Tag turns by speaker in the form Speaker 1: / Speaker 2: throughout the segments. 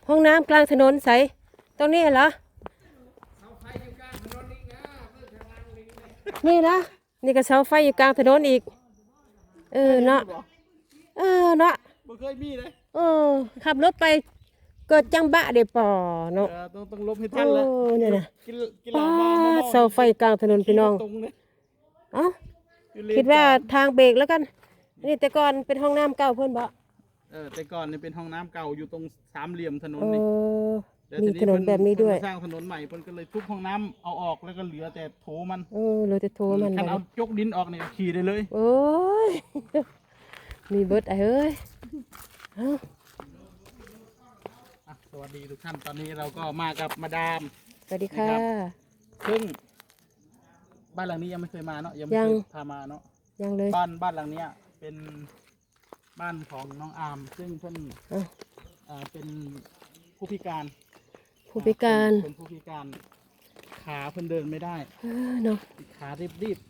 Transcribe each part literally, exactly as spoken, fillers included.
Speaker 1: ห้องน้ำกลางถนนใสตรงนี้เหรอนี่นะนี่ก็เสาไฟอยู่กลางถนนอีกเออเนาะเออเนาะ
Speaker 2: บ่เคยมีเลย
Speaker 1: เออขับรถไปเกิดจังบะเดปอเนาะ
Speaker 2: ต้องต้องลบให้ทันแล้ว
Speaker 1: เนี่ยนะ
Speaker 2: ป้า
Speaker 1: เสาไฟกลางถนนพี่น้องเอ้าคิดว่าทางเบรกแล้วกันนี่แต่ก่อนเป็นห้องน้ำเก่าเพื่อนบ่
Speaker 2: เออแต่ก่อนนี่เป็นห้องน้ำเก่าอยู่ตรงสามเหลี่ยมถนน
Speaker 1: นี่มีถนนแบบนี้ด้วย
Speaker 2: สร้างถนนใหม่เพิ่นก็เลยทุบห้องน้ำเอาออกแล้วก็เหลือแต่โถมัน
Speaker 1: เออเหลือแต่โถมัน
Speaker 2: คันเอายกดินออกเนี่ยขี่ได้เลย
Speaker 1: โอ้ยมีเบิร์ดไอ้เอ้ย
Speaker 2: สวัสดีทุกท่านตอนนี้เราก็มากับมาดาม
Speaker 1: สวัสดีค่ะ
Speaker 2: ซึ่งบ้านหลังนี้ยังไม่เคยมาเนาะยังไม่เคยพามาเนาะ
Speaker 1: ยังเลย
Speaker 2: บ้านบ้านหลังนี้เป็นบ้านของน้องอาร์มซึ่งเพิ่นอ่าเป็นผู้พิการ
Speaker 1: ผู้พิการ
Speaker 2: เป็นผู้พิการขาเพิ่นเดินไม่ได้
Speaker 1: เนาะ
Speaker 2: ขารีบรีบ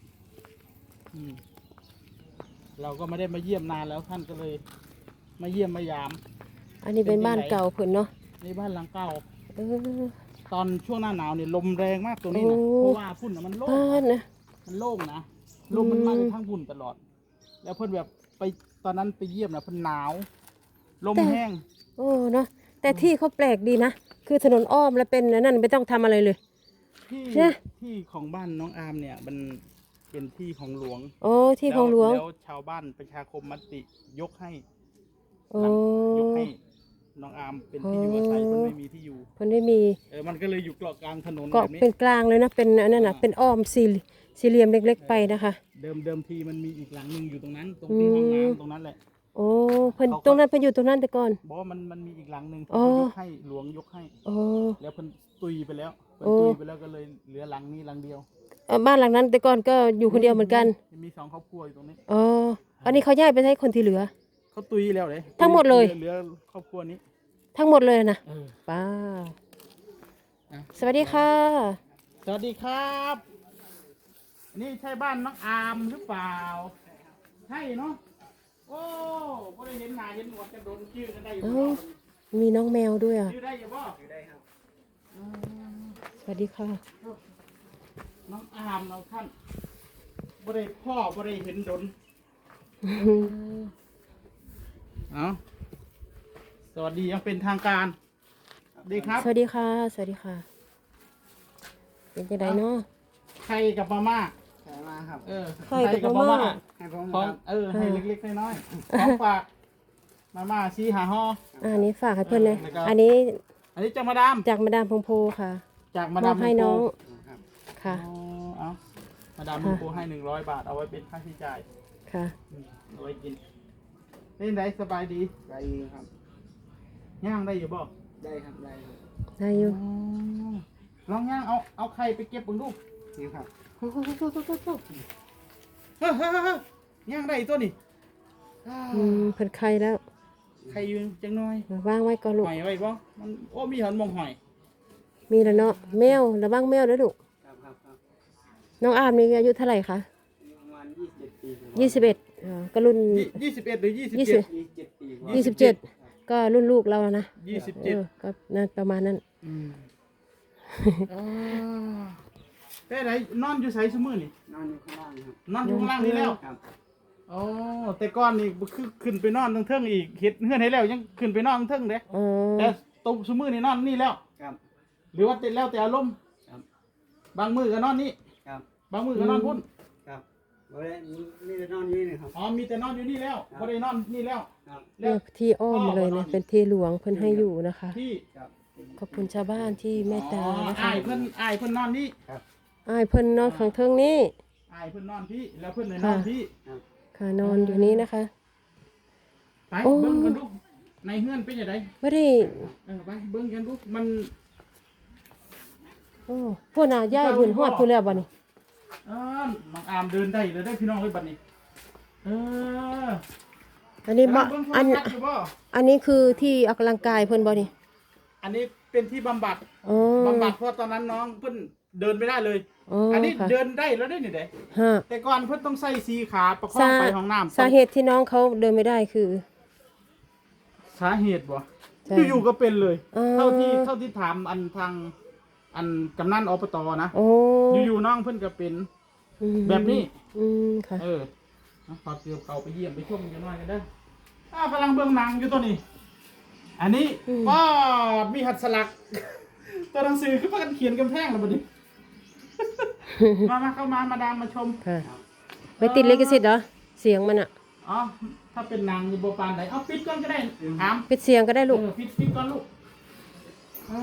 Speaker 2: เราก็ไม่ได้มาเยี่ยมนานแล้วท่านก็เลยมาเยี่ยมมายาม
Speaker 1: อันนี้เป็นบ้านเก่าเพิ่นเนาะ
Speaker 2: ในบ้านหลังเก่าตอนช่วงหน้าหนาวเนี่ยลมแรงมากตรงนี้นะเพราะว่าฝุ่นมันโล่งนะมันโล่งนะลมมันมาทั้งฝุ่นตลอดแล้วเพิ่นแบบไปตอนนั้นไปเยี่ยมนะเพิ่นหนาวลมแห้ง
Speaker 1: โอ้เนาะแต่ที่เขาแปลกดีนะคือถนนอ้อมแล้วเป็นนั่นไม่ต้องทำอะไรเลย
Speaker 2: ที่ที่ของบ้านน้องอาร์มเนี่ยมันเป็นที่ของหลวง
Speaker 1: โอ้ที่ของหลวง
Speaker 2: แล้วชาวบ้านประชาคมมติยกให้
Speaker 1: โอ้
Speaker 2: ยกให้น้องอาร์มเป็นที่อยู่อาศัยเพิ่นไม่มีที่อยู่
Speaker 1: เพิ่นไม่มี
Speaker 2: เออมันก็เลยอยู่เกาะกลางถนน
Speaker 1: แบบนี้เป็นกลางเลยนะเป็นนั่นน่ะเป็นอ้อมสี่สี่เหลี่ยมเล็กๆไปนะคะ
Speaker 2: เดิมเดิมทีมันมีอีกหลังนึงอยู่ตรงนั้นตรงที่ห้องน้ำตรงนั้นแหละ
Speaker 1: โอ้เพิ่นตรงนั้นเพิ่นอยู่ตรงนั้นแต่ก่อน
Speaker 2: บอกว่ามันมันมีอีกหลังนึงที่ยกให้หลวงยกให้
Speaker 1: โอ้
Speaker 2: แล้วเพิ่นตุยไปแล้วเพิ่นตุยไปแล้วก็เลยเหลือหลังนี้หลังเดียว
Speaker 1: บ้านหลังนั้นแต่ก่อนก็อยู่คนเดียวเหมือนกัน
Speaker 2: มีสองครอบครัวอยู่ตรงนี้
Speaker 1: อ๋ออันนี้เขาย้ายไปให้คนที่เหลือ
Speaker 2: เขาตุยแล้วเลย
Speaker 1: ทั้งหมดเลย
Speaker 2: เหลือครอบครัวนี้
Speaker 1: ทั้งหมดเลยนะป้าสวัสดีค่ะ
Speaker 2: สวัสดีครับนี่ใช่บ้านน้องอาร์มหรือเปล่าใช่เนาะโอ้ก็ได้เห็นหน้าเห็นหนวดกันโดนชื่อกันได้อยู่
Speaker 1: มีน้องแมวด้วยอ่ะ
Speaker 2: ชื่อได้อยู่บ่ชื่อได้ครับ
Speaker 1: สวัสดีค่ะ
Speaker 2: น้องอาร์มเราท่านบ่ได้พ่อบ่ได้เห็นดนเอาสวัสดียังเป็นทางการดีครับ
Speaker 1: สวัสดีค่ะสวัสดีค่ะเป็นยังไงเนาะ
Speaker 2: ไข่กับมาม่า
Speaker 3: ไข่มาครับ
Speaker 2: เออไข่กับมาม่า
Speaker 3: ให้ผม
Speaker 2: ของเออให้เล็กๆน้อยๆของฝากมาม่าซีหาห่อ
Speaker 1: อันนี้ฝากให้เพื่อนเลยอันนี้
Speaker 2: อันนี้จากมาดาม
Speaker 1: จากมาดามพงโพค่ะ
Speaker 2: จากมาดาม
Speaker 1: ให้น้องค่ะ
Speaker 2: เอามาดามพงโพให้หนึ่งร้อยบาทเอาไว้เป็นค่าใช้จ่าย
Speaker 1: ค่ะ
Speaker 2: เอาไว้กินเล่นได้สบายดี
Speaker 3: ได้อยู่ครับ
Speaker 2: ย่างได้อยู่บ่
Speaker 3: ได้ครับได้
Speaker 1: ได้อยู่
Speaker 2: ลองย่างเอาเอาไข่ไปเก็บบึงลูก
Speaker 3: นี่ครับ
Speaker 2: เฮ้ยเฮ้ยเฮ้ยย่างได้ตัวนี่
Speaker 1: อืมเพิ่นไข่แล้ว
Speaker 2: ไข่ยืนจังน้อยว
Speaker 1: างไว้ก่อนลูก
Speaker 2: หอยไว้บ่มันโอ้มีหันมองหอย
Speaker 1: มีแล้วเนาะแมวระวังแมวแล้วลูกน้องอาร์มนี่อายุเท่าไหร่คะ
Speaker 3: ประมาณยี่สิบเจ็ดปี
Speaker 1: ยี่สิบเอ็ดก็รุ่น
Speaker 2: ยี่สิบเอ็ดหรือยี่สิบเจ็ด
Speaker 1: ยี่สิบเจ็ดก็รุ่นลูกเรานะ
Speaker 2: ยี่สิบเจ็ด
Speaker 1: ก็นั่นประมาณนั้น
Speaker 2: เป็นไรนอนอยู่ไสซุมื้อนี่
Speaker 3: นอนอยู่ข้างล่างครับ
Speaker 2: นอนอยู่ข้างล่างนี่แล้วอ๋อแต่ก่อนนี่คือขึ้นไปนอนทางเทิงอีกเฮ็ดเฮือนให้แล้วยังขึ้นไปนอนทางเทิงเด้แต่ตบซุมื้อนี่นอนนี่แล้ว
Speaker 3: ครับ
Speaker 2: หรือว่าติดแล้วแต่อารมณ์
Speaker 3: ครับ
Speaker 2: บางมื้อก็นอนนี่
Speaker 3: ครับ
Speaker 2: บางมื้อก็นอนพุ่น
Speaker 3: ครับบ่ได้มีแต่นอนนี่นะครับ
Speaker 2: อ๋อมีแต่นอนอยู่นี่แล้วบ่ได้นอนนี่แล้ว
Speaker 3: ครับ
Speaker 1: เลือกที่อ้อมเลยเนี่ยเป็นที่หลวงเพิ่นให้อยู่นะคะ
Speaker 2: ที่
Speaker 1: ขอบคุณชาวบ้านที่เมตตานะคะ
Speaker 2: อ้ายเพิ่นอ้ายเพิ่นนอนนี่
Speaker 3: ครับ
Speaker 1: อ้ายเพิ่นนอนข้างเทิงนี้
Speaker 2: อ้ายเพิ่นนอนพี่แล้วเพิ่นเลยนอนพี่
Speaker 1: ค่ะนอนอยู่นี้นะคะ
Speaker 2: ไปเบิ่งกันดูในเฮือนเป็นจังได๋
Speaker 1: บ่ได้
Speaker 2: เออไปเบิ่งกันดูมัน
Speaker 1: โอ้พุ่นน่ะย้ายเพิ่นฮอดพุ่นแล้วบัดนี้
Speaker 2: เออน้องอามเดินได้เลยได้พี่น้องเอ้ยบัดนี้เออ
Speaker 1: อันนี้บ่อันอันนี้คือที่ออกกำลังกายเพิ่นบ่นี่
Speaker 2: อันนี้เป็นที่บำบัดบำบัดเพราะตอนนั้นน้องเพิ่นเดินไม่ได้เลยอันนี้เดินได้แล้วได้นี่เด้แต่ก่อนเพิ่นต้องใส่สีขาประคองไปห้องน้ำ
Speaker 1: สาเหตุที่น้องเขาเดินไม่ได้คือ
Speaker 2: สาเหตุบ่
Speaker 1: ใช่
Speaker 2: อยู่ๆก็เป็นเลย
Speaker 1: อ่า
Speaker 2: เท่าที่เท่าที่ถามอันทางอันกำนันอบตนะ
Speaker 1: โอ้
Speaker 2: อยู่ๆน้องเพิ่นก็เป็น
Speaker 1: อืม
Speaker 2: แบบนี้
Speaker 1: อืมค่ะ
Speaker 2: เออเอาขอเกี่ยวเขาไปเยี่ยมไปชมกันหน่อยกันเด้ออ่ากำลังเบื้องหนังอยู่ตัวนี้ อันนี้
Speaker 1: อืม
Speaker 2: ก็มีหัดสลัก ตัวหนังสือคือพากันเขียนกำแพงแล้วบัดนี้ มามาเข้ามามาดามมาชม
Speaker 1: ค่ะไม่ติดลิขสิทธิ์เหรอเสียงมันอะ
Speaker 2: อ๋อถ้าเป็นหนางอยู่โบปานไหนเอาปิดก่อนก็ได้ถาม
Speaker 1: ปิดเสียงก็ได้ลูก
Speaker 2: เออปิดปิดก่อนลูกอ่า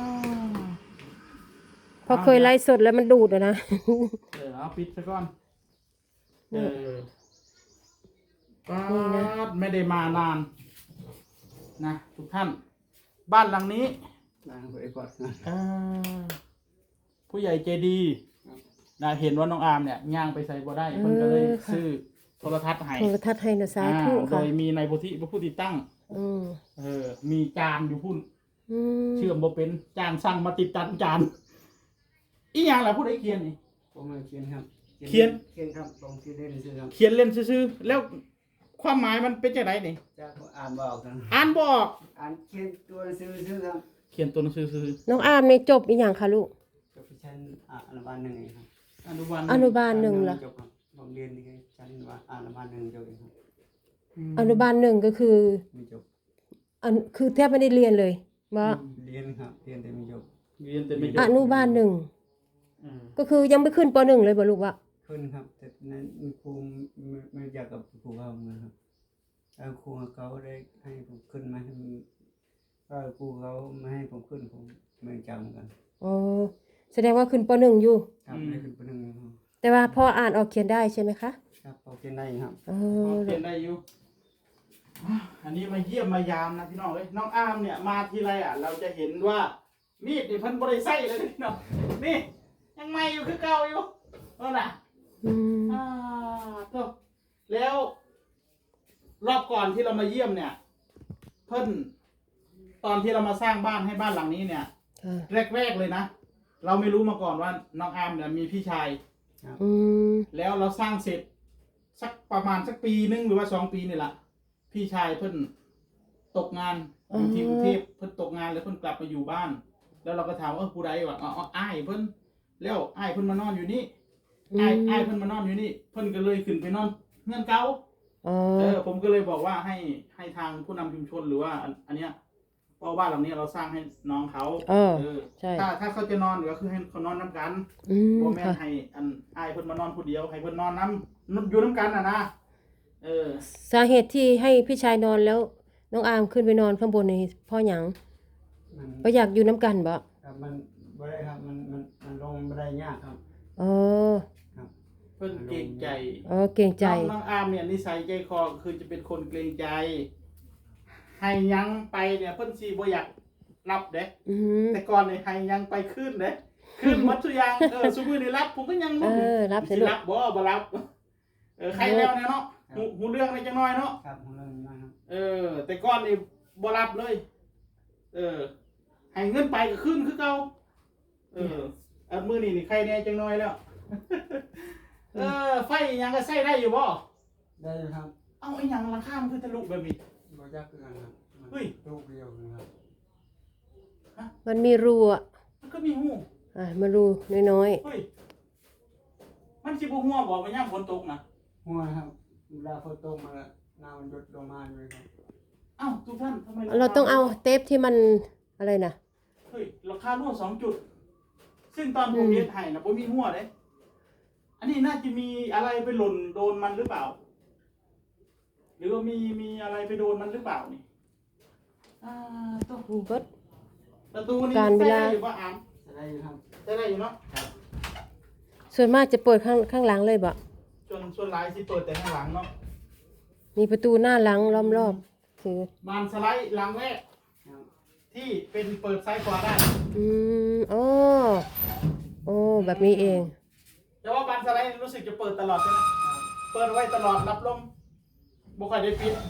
Speaker 1: เพราะเคยไลฟ์สดแล้วมันดูดอะนะ
Speaker 2: เออเอาปิดซะก่อนเออปา
Speaker 1: นี่นะ
Speaker 2: ดไม่ได้มานานนะทุกท่าน บ้านหลังนี้
Speaker 3: ล้างหัวไอ้กอดนะ
Speaker 2: อ่าผู้ใหญ่ใจดีนะเห็นว่าน้องอาร์มเนี่ยย่างไปใส่บ่ได้เพิ่นก็เลยซื้อโทรทัศน์ให้
Speaker 1: โทรทัศน์ให้นะสา
Speaker 2: อ่า
Speaker 1: ธุ
Speaker 2: โด
Speaker 1: ค่ะ
Speaker 2: ยมีนายโพธิเป็นผู้ติดตั้ง
Speaker 1: อืม
Speaker 2: เออ มีจานอยู่พุ่น
Speaker 1: อืม
Speaker 2: เชื่อมบ่เป็นจ้างสั่งมาติดตั้งจานอีหยังล่ะผู้ใดเขียนนี่
Speaker 3: ผมมาเขียนครับ
Speaker 2: เขียน
Speaker 3: เขียนครับลงที่เล่นซื้อครับ
Speaker 2: เขียนเล่นซื่อๆแล้วความหมายมันเป็นจังไดนี่
Speaker 3: จะอ่านบอกกัน
Speaker 2: อ่านบออก
Speaker 3: อ่านเขียนตัวซื้อซื้อครับ
Speaker 2: เขียนตัวหนังสือซื่อ
Speaker 1: น้องอาร์มในจบอีกอย่างค่ะลูก
Speaker 3: จบชั้นอ่าอนุบาลหนึ่งเองครับ
Speaker 2: อนุบาล
Speaker 1: อนุบาลหนึ่งเหรอ
Speaker 3: จบครับผมเรียนที่ชั้นว่าอนุบาลหนึ่งจบเองครับ
Speaker 1: อนุบาลหนึ่งก็คือ
Speaker 3: ไม่จบ
Speaker 1: อันคือแทบไม่ได้เรียนเลยว่า
Speaker 3: เรียนครับเรียนแต่ไม่จบ
Speaker 2: เรียนแต่ไม่จ
Speaker 1: อบ นุบาลหนึ่ง
Speaker 2: อืม
Speaker 1: ก็คือยังไม่ขึ้นปหนึ่งเลยบ่ลูกวะ
Speaker 3: ขึ้นครับแต่นั้นครูไม่ไม่อยากกับครูเขาเหมือนครับแล้วครูเขาได้ให้ผมขึ้นมาให้ก็ครูเขาไม่ให้ผมขึ้นผมไม่จำเหมือนกัน
Speaker 1: อ๋อแสดงว่าขึ้นปหนึ่งอยู่
Speaker 3: ครับไม่ได้ขึ้นปีหนึ่งครับ
Speaker 1: แต่ว่าพออ่านออกเขียนได้ใช่ไหมคะ
Speaker 3: ครับพอเขียนได้ครับ
Speaker 1: อ๋
Speaker 2: พอ
Speaker 1: อ
Speaker 2: เขียนได้อยู่อ่ะอันนี้มาเยี่ยมมายามนะพี่น้องเอ้ยน้องอาร์มเนี่ยมาทีไรอ่ะ เราจะเห็นว่ามีดนี่เพิ่นบ่ได้ใส่เลยพี่น้องนี่ยังใหม่อยู่คือเก่าอยู่นั่นน่ะ
Speaker 1: อืม
Speaker 2: อ่าก็แล้ว รอบก่อนที่เรามาเยี่ยมเนี่ย เพิ่นตอนที่เรามาสร้างบ้านให้บ้านหลังนี้เนี่ย
Speaker 1: ค่ะ
Speaker 2: แรกๆเลยนะเราไม่รู้มาก่อนว่าน้องอาร์มเนี่ยมีพี่ชาย
Speaker 1: อืม
Speaker 2: แล้วเราสร้างเสร็จ สักประมาณสักปีนึงหรือว่าสองปีนี่แหละพี่ชายเพิ่นตกงานอยู่ที่กรุงเทพเพิ่นตกงานแล้วเพิ่นกลับมาอยู่บ้าน แล้วเราก็ถามว่าเออผู้ใดวะอ๋ออ๋ออ้ายเพิ่นแล้วอ้ายเพิ่นมานอนอยู่นี่อ้ายอ้ายเพิ่นมานอนอยู่นี่เพิ่นก็เลยขึ้นไปนอนเงื่อนเก่า
Speaker 1: อ๋อ
Speaker 2: เออผมก็เลยบอกว่าให้ให้ทางผู้นำชุมชนหรือว่าอันอันเนี้ยเพราะบ้านหลังนี้เราสร้างให้น้องเขา
Speaker 1: เออ
Speaker 2: เออ
Speaker 1: ใช่
Speaker 2: ถ้าถ้าเขาจะนอนก็คือให้เขานอนน้ำกัน
Speaker 1: อืม
Speaker 2: บ่แม่น
Speaker 1: ค่ะ
Speaker 2: ให้อันอ้ายเพิ่นมานอนผู้เดียวให้เพิ่นนอนน้ำอยู่น้ำกันน่ะนะเออ
Speaker 1: สาเหตุที่ให้พี่ชายนอนแล้ว น้องอาร์มขึ้นไปนอนข้างบนนี่เพ่อหยัง
Speaker 3: มัน
Speaker 1: ก็อยากอยู่น้ำกันบ่
Speaker 3: ครับมันไม่ได้ครับมันมันมันลงไม่ได้ยากครับ
Speaker 1: อ๋อ
Speaker 3: ครับ
Speaker 2: เพิ่นเกรงใจ
Speaker 1: อ๋อเกรงใจ
Speaker 2: น้องน้องอาร์มเนี่ยนิสัยใจคอคือจะเป็นคนเกรงใจ ให้ยังไปเนี่ยเพิ่นสิบ่อยากรับเด้
Speaker 1: อืม
Speaker 2: แต่ก่อนเนี่ยให้ยังไปขึ้นเด้ขึ้นหมดทุกอย่างเออซุมื้อนี้รับผมก็ยัง
Speaker 1: เอ
Speaker 2: รู้
Speaker 1: อรับสิ
Speaker 2: สิ
Speaker 1: ลูก
Speaker 2: รับบ่บ่รับเออใครแล้วเนี่ยเนาะหูหูเรื่องในจังน้อยเนาะ
Speaker 3: ครับของเรานะครับ
Speaker 2: เออ แต่ก่อนนี่บ่รับเลย เออ ให้เงินไปก็ขึ้นคือเก่าเอออันมื้อนี้นี่ใครแน่จังน้อยแล้ว เออ ไฟอิหยังก็ใช้ได้อยู่บ่
Speaker 3: ได้อยู่ครับ
Speaker 2: เอาไอ้หยังราคามันคือทะลุแบบนี้
Speaker 3: บ่ยากคือกันครับมัน
Speaker 2: เฮ้ย
Speaker 3: ลูกเดียวนะครับ
Speaker 1: มันมีรูอ่ะ
Speaker 2: มันก็มีหู
Speaker 1: อ่ะมารูน้อย
Speaker 2: เฮ้ย มันสิบ่หัวบ่ว่ายามฝนตกนะ
Speaker 3: หัวนะครับเวลาฝนตกมาแล้วน้ำมันหยดลงมาเลยครับ
Speaker 2: เอ้าทุกท่านทำไม
Speaker 1: ๆเราต้องเอาเทปที่มันอะไรนะ
Speaker 2: เฮ้ยราคารั่วสองจุด ซึ่งตอนผม
Speaker 1: อืม
Speaker 2: เฮ็ดให้นะบ่มีหัวเด้ อันนี้น่าจะมีอะไรไปหล่นโดนมันหรือเปล่า หรือว่ามีมีอะไรไปโดนมันหรือเปล่านี่ อ่าต้อง
Speaker 1: เบิด
Speaker 2: ประตูนี้
Speaker 1: การเวลา
Speaker 2: ใช้ได้อยู่ป่ะอาม
Speaker 3: จะได้อยู่ครับ
Speaker 2: ใช้ได้อยู่เนาะ
Speaker 1: ส่วนมากจะเปิดข้างข้างหลังเลยบ่
Speaker 2: ส่วนส่วนหลายสิเปิดแต่ข้างหลังเนาะ
Speaker 1: มีประตูหน้าหลังล้อมรอบคือบ
Speaker 2: านสไลด์หลังแรก
Speaker 3: ครับ
Speaker 2: ที่เป็นเปิดซ้ายขวาได้
Speaker 1: อืมอ๋อโอ้แบบนี้เอง
Speaker 2: แต่ว่าบานสไลด์รู้สึกจะเปิดตลอดใช่ไหมเปิดไว้ตลอดรับลมบ่ค่อยได้ปิด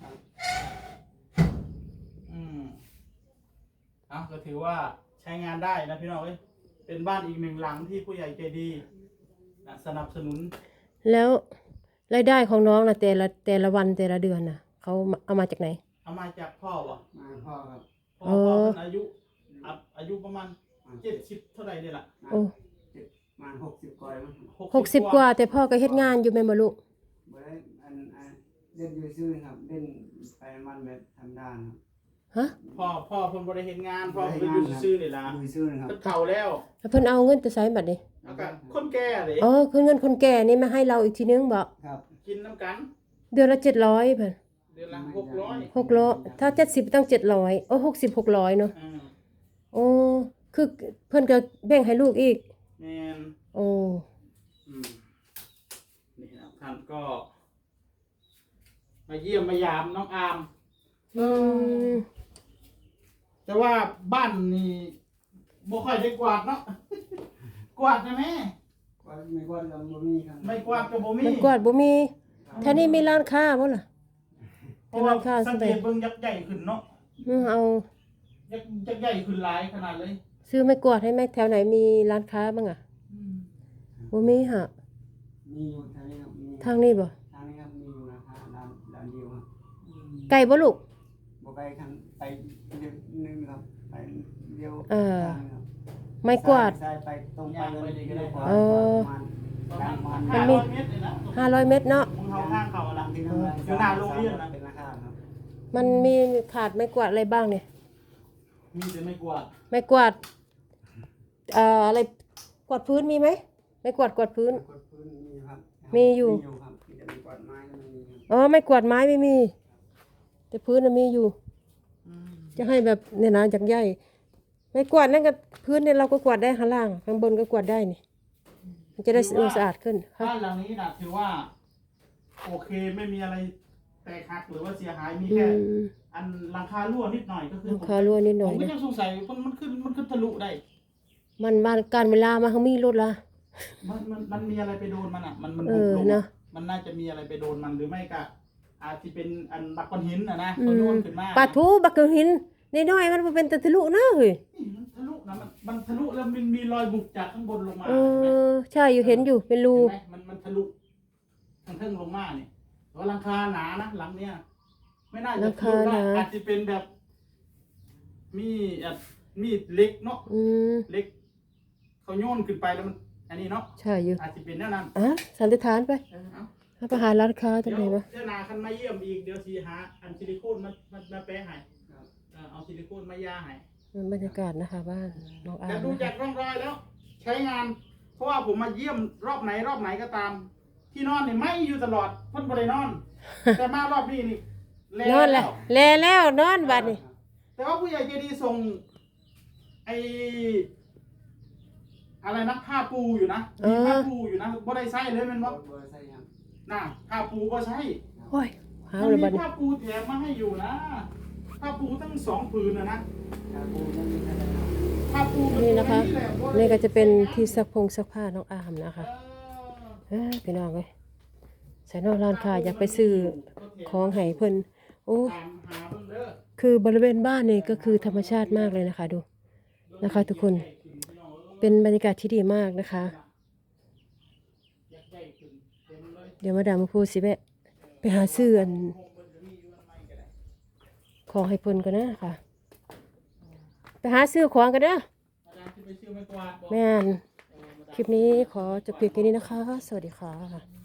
Speaker 2: อืมอ่ะก็ถือว่าใช้งานได้นะพี่น้องเอ้ยเป็นบ้านอีกหนึ่งหลังที่ผู้ใหญ่ใจดีนะสนับสนุน
Speaker 1: แล้วรายได้ของน้องนะแต่ละแต่ละวันแต่ละเดือนนะเขาเอามาจากไหน
Speaker 2: เอามาจากพ่อวะ
Speaker 3: มาพ่อครับ
Speaker 2: พ่อนอายุอัพอายุประมาณเจ็ดสิบเท่าไหร่เนี่ยล่ะ
Speaker 1: โอ้
Speaker 3: เจ็ดประมาณหกสิบกว่ามั้ง
Speaker 1: หกสิบกว่าแต่พ่อก็เฮ็ดงานอยู่แม่นบ่ลูก
Speaker 3: บ่ได้อันอันเล่นอยู่ซื่อครับเล่นไปมันแบบทำด้านครับ
Speaker 1: ฮะ
Speaker 2: พ่อพ่อเพิ่นบ่ได้เฮ็ดงานพ่อเพิ่นอยู่ซื่อๆนี่ล่ะ
Speaker 3: อยู่ซื่อนะครับ
Speaker 2: เพิ่นเฒ่าแล้ว
Speaker 1: แล้วเพิ่นเอาเงินไปใช้บัดนี้
Speaker 2: แล้วก็คนแก่เลย
Speaker 1: อ๋อคือเงินคนแก่นี่มาให้เราอีกทีนึงบ่
Speaker 3: ครับ
Speaker 2: กินน้ำกัน
Speaker 1: เดือนละเจ็ดร้อยเพิ่น
Speaker 2: เดือนละหกร้อย
Speaker 1: หกร้อยถ้าเจ็ดสิบต้องเจ็ดร้อยโอ้หกสิบ หกร้อยเนาะ
Speaker 2: อ่า
Speaker 1: โอ้คือเพิ่นก็แบ่งให้ลูกอีก
Speaker 2: แม่น
Speaker 1: โอ้
Speaker 2: อืมนี่นะท่านก็ มาเยี่ยมมายามน้องอาม
Speaker 1: อืม
Speaker 2: แต่ว่าบ้านนี่บ่ค่อยได้กวาดเนาะ กวาดได้ไหม
Speaker 3: กวาดไม่กวาดก็บ่มีครับ
Speaker 2: ไม่กวาดก็บ่มี
Speaker 1: มันกวาดบ่มีแถวนี้มีร้านค้าบ่ล่ะ
Speaker 2: เพราะว่า
Speaker 1: ร้านค้า
Speaker 2: สังเกตเบิ่งยักษ์ใหญ่ขึ้นเนาะ
Speaker 1: อืมเอา
Speaker 2: ยักษ์ยักษ์ใหญ่ขึ้นหลายขนาดเลย
Speaker 1: ซื้อไม้กวาดให้แม่แถวไหนมีร้านค้าบ้างอ่ะ
Speaker 2: อืม
Speaker 1: บ่มีฮะ
Speaker 3: มีอยู่ทางนี้ครับมี
Speaker 1: ทางนี้บ่
Speaker 3: ทางนี้ครับมีอยู่นะครับร้านร้านเดียวครับ
Speaker 2: อืม
Speaker 1: ไกลบ่ลูก
Speaker 3: บ่ไปทางไปเดียวนึงครับไปเดียว
Speaker 1: เออ
Speaker 3: ทางครับ
Speaker 1: ไม้กวาด
Speaker 3: ซ้ายไปตรงไปเลยเดียวกว่า
Speaker 1: เออ
Speaker 3: ประมาณ
Speaker 2: ประ
Speaker 3: ป
Speaker 2: มา
Speaker 3: ระ
Speaker 2: ณ
Speaker 3: มาณ
Speaker 2: ห้าร้อยเมตรเลยนะ
Speaker 1: ห้าร้อยเมตรเนาะ
Speaker 2: มึงเข้าข้างเขาอะล่ะ
Speaker 3: ที่นั่ง
Speaker 2: อยู่หน้าโรงเรียนนะ
Speaker 3: เป็นราคาครับ
Speaker 1: มันมีขาดไม้กวาดอะไรบ้างเนี่ย
Speaker 2: มีแต่ไม่กวาด
Speaker 1: ไม้กวาดเอ่ออะไรกวาดพื้นมีไหมไม้กวาดกวาดพื้น
Speaker 3: กดพื้นมีครับ
Speaker 1: มีอยู่
Speaker 3: มีอยู่ครับที่จะมีกวาดไม้ก็มีครับ
Speaker 1: อ๋อไม้กวาดไม้ไม่มี แต่พื้นน่ะมีอยู่
Speaker 2: อืม
Speaker 1: จะให้แบบเนี่ยนะจากใหญ่ไม้กวาดนั่นก็พื้นเนี่ยเราก็กวาดได้ข้างล่างข้างบนก็กวาดได้นี่มันจะได้ดูสะอาดขึ้นครับ
Speaker 2: บ้านหลังนี้นะถือว่า โอเคไม่มีอะไรแตกหักหรือว่าเสียหายมี
Speaker 1: อื
Speaker 2: แค่
Speaker 1: ม
Speaker 2: อันหลังคารั่วนิดหน่อยก็คือ
Speaker 1: หลังคารั่วนิดหน่อย
Speaker 2: ผมก็ยังสงสัยมันมันขึ้นมันขึ้นทะลุได้
Speaker 1: มันบ้านการเวลามาเขามีรถละ
Speaker 2: มันมันมันมีอะไรไปโดนมันอ่ะ มันมัน
Speaker 1: เอ
Speaker 2: บุก
Speaker 1: อ
Speaker 2: ลง
Speaker 1: นะ
Speaker 2: มันน่าจะมีอะไรไปโดนมันหรือไม่ก็อาจจะเป็นอันบักก้อนหินอ่ะนะ
Speaker 1: อื
Speaker 2: เขาโย
Speaker 1: ม
Speaker 2: นขึ้นมา
Speaker 1: ปลาทูบักเกอร์หินน้อยๆมันบ่เป็นตะทะลุนะเฮ้ย
Speaker 2: นี่มันทะลุนะมันมันทะลุแล้วมันมีรอยบุกจากข้างบนลงมา
Speaker 1: เอ
Speaker 2: เห็นไหม
Speaker 1: อใช่อยู่เห็นอยู่เป็นรู
Speaker 2: เห็นไหมมันมันทะลุทางเทิงลงมาเนี่ยเพราะหลังคาหนานะหลังเนี้ยไม่น่าจะทะลุได้อาจจะเป็นแบบ มีอ่ะมีเหล็กเนาะ
Speaker 1: อืม
Speaker 2: เหล็ก เขาโยนขึ้นไปแล้วมัน อันนี้เนาะ
Speaker 1: ใช่อยู่
Speaker 2: อาจจะเป็นแน่นั้น
Speaker 1: อ่ะสันนิษฐานไป
Speaker 2: เออเอา
Speaker 1: เอาไปหาร้านค้าตร
Speaker 2: เดี๋
Speaker 1: ง
Speaker 2: ยว
Speaker 1: ไหนมา
Speaker 2: เดี๋ยวนาคันมาเยี่ยมอีกเดี๋ยวสีหาอันซิลิโคนมามามาแปะให้
Speaker 3: ครับ
Speaker 2: เออเอาซิลิโคนมายาให้
Speaker 1: มันบรรยากาศนะคะบ้านน้องอา
Speaker 2: แต่
Speaker 1: ร์ม
Speaker 2: ดู
Speaker 1: นะ
Speaker 2: จาก
Speaker 1: คะ
Speaker 2: ร่องรอยแล้ว ใช้งาน เพราะว่าผมมาเยี่ยมรอบไหนรอบไหนก็ตาม ที่นอนนี่ไม่อยู่ตลอดเพ่นบริ นอน แต่มารอบนี้นี่แล
Speaker 1: นอนแหละแลแล้วนอนบัดนี่
Speaker 2: แต่ว่าผู้ใหญ่ใจดีส่งไออะไรนะผ้าปูอยู่นะมีผ้าปูอยู่นะบ่ได้ใช้เลยแมัน
Speaker 3: ร
Speaker 2: บ่
Speaker 3: ถเบอร์ใช่ครับ
Speaker 2: น่ะผ้าปูก็ใช้
Speaker 1: โอ้ยหา
Speaker 2: มัน
Speaker 1: เลย
Speaker 2: มี
Speaker 1: บัดนี้
Speaker 2: ผ้าปูแถมมาให้อยู่นะผ้าปูตั้งสองผืนนะนะ
Speaker 3: ถ้าปูจะมีขนาด
Speaker 2: ผ้าปู
Speaker 1: นี่นะคะ
Speaker 2: แหลบ่ได้
Speaker 1: นี่ก็จะเป็นที่ซักพงซักผ้าน้องอาร์มนะคะ
Speaker 2: เออ
Speaker 1: เอ้ยพี่น้องเอ้ยใส่นอกร้านค้าอยากไปซื้อของให้เพิ่นโอ้
Speaker 2: ตามหาเบิ่งเด้อ
Speaker 1: คือบริเวณบ้านนี่ก็คือธรรมชาติมากเลยนะคะดูนะคะ ทุกคนเป็นบรรยากาศที่ดีมากนะคะ
Speaker 2: อยากได้ขึ้นเต็มเลย
Speaker 1: เดี๋ยวมาดามมาพูดสิแม่ไปหาซื้ออันของให้เพิ่นกันนะค่ะไปหาซื้อของกันเด้อ
Speaker 2: อาจารย์ที่ไปซื้อไม้กวาดบอก
Speaker 1: แม่นคลิปนี้ขอจบเพียงแค่นี้นะคะ สวัสดีค่ะ